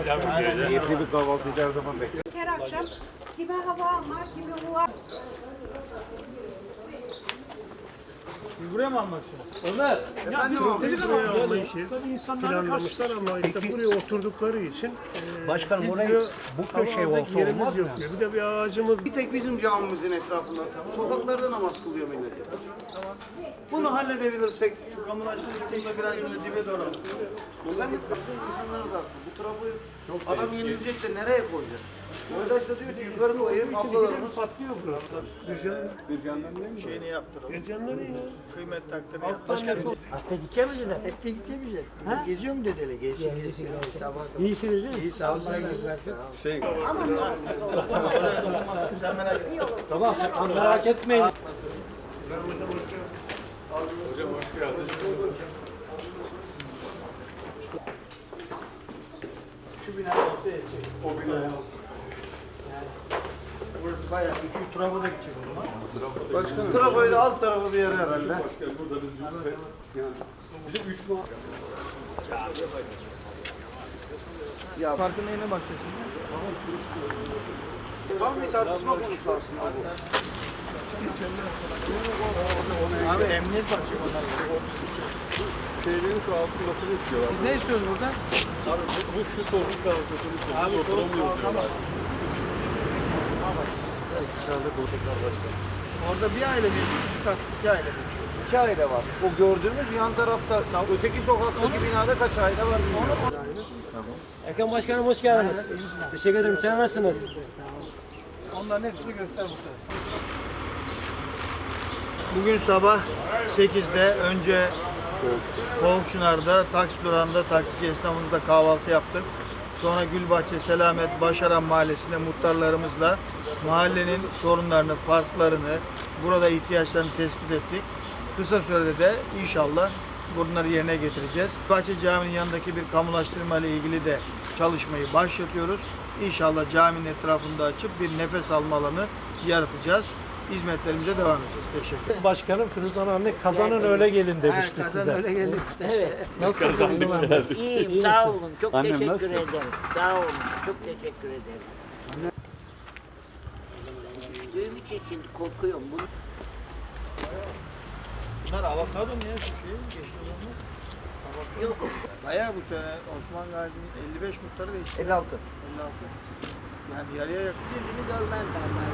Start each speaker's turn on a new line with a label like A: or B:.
A: Keyifli bir kahvaltıyı her zaman bekliyoruz.
B: Her akşam kime hava almak, kime bu var.
C: Buraya mı almak istiyorsun?
D: Ömer.
E: Buraya alma işi planlamışlar ama işte buraya oturdukları için
D: Başkanım
E: biz
D: orayı
E: diyor,
D: bu köşeye
E: alacak
D: olsa
E: yerimiz
D: olmaz
E: yok
D: mı?
E: diyor. Bir de bir ağacımız
C: Bir tek bizim camimizin etrafında. Sokaklarda namaz kılıyor millet. Tamam. Bunu halledebilirsek şu kamulaştırıcı da biraz şöyle dibe doğru alsın. Efendim insanlar da haklı. Bu tarafı adam yenilecek de nereye koyacak? Oydaş da diyor ki yukarı koyayım, ablalarımız patlıyor burası.
A: Bircan'dan değil mi?
C: Şeyini yaptıralım.
E: Gezenleri ya.
C: Kıymet takdiri
E: Başkanım.
D: Hatta gideceğiz mi dediler?
C: Ette gideceğiz. Geziyor mu dedeli? Geziyor. Sabah sabah.
D: İyisiniz değil mi?
C: İyi sağ olun.
A: Şey,
C: Sen merak etme.
D: Tamam, merak etmeyin.
C: Şu bina olsa yetecek.
A: o binaya.
C: Burası bayağı küçük. Trafo da gidecek o zaman.
A: Başkanım.
C: Trafoyu da alt tarafı bir yere herhalde.
A: Başkanım burada biz yani bir de 3 mu?
C: Ya farkın neyine bakacağız şimdi? Tam bir tartışma konusu aslında bu. Abi emniyet bakacak onlar.
A: Şeylerin şu altında nasıl bekliyorlar?
C: Siz ne istiyorsunuz burada?
A: Abi bu şu tozun kalkıyorsunuz.
C: Abi toz kalkamaz.
A: İçeride koltuklar başkanım.
C: Orada bir aile mi? İki aile mi? İki aile var. O gördüğümüz yan tarafta, öteki sokaktaki binada kaç aile var bilmiyorum.
D: Erkan Başkanım hoş geldiniz. Teşekkür ederim. Sen nasılsınız?
C: Onların hepsini göster bu sefer. Bugün sabah 8'de önce Kovukçınar'da taksi durağında taksici esnafımızla kahvaltı yaptık. Sonra Gülbahçe, Selamet, Başaran Mahallesi'nde muhtarlarımızla mahallenin sorunlarını, parklarını, burada ihtiyaçlarını tespit ettik. Kısa sürede de inşallah bunları yerine getireceğiz. Bahçe Camii'nin yanındaki bir kamulaştırma ile ilgili de çalışmayı başlatıyoruz. İnşallah caminin etrafında açıp bir nefes alma alanı yaratacağız. Hizmetlerimize devam edeceğiz. Teşekkür ederim.
F: Başkanım Firuzan anne kazanın öyle gelin demişti
C: Kazan
F: size.
C: öyle geldi işte.
G: Evet.
F: Nasıl Firuzan anne?
G: İyiyim. Sağ olun. Çok
A: Annem
G: teşekkür
A: nasıl?
G: ederim. Sağ olun. Çok teşekkür ederim. Düştüğüm için şimdi korkuyorum. Bunu
C: Bunlar avokado mu ya şu şey? Yeşil olanlar. Yok. Bayağı bu sene Osman Gazi'nin 55 muhtarı değişti. 56. Yani yarıya yakın.
G: yüzünü görmezler.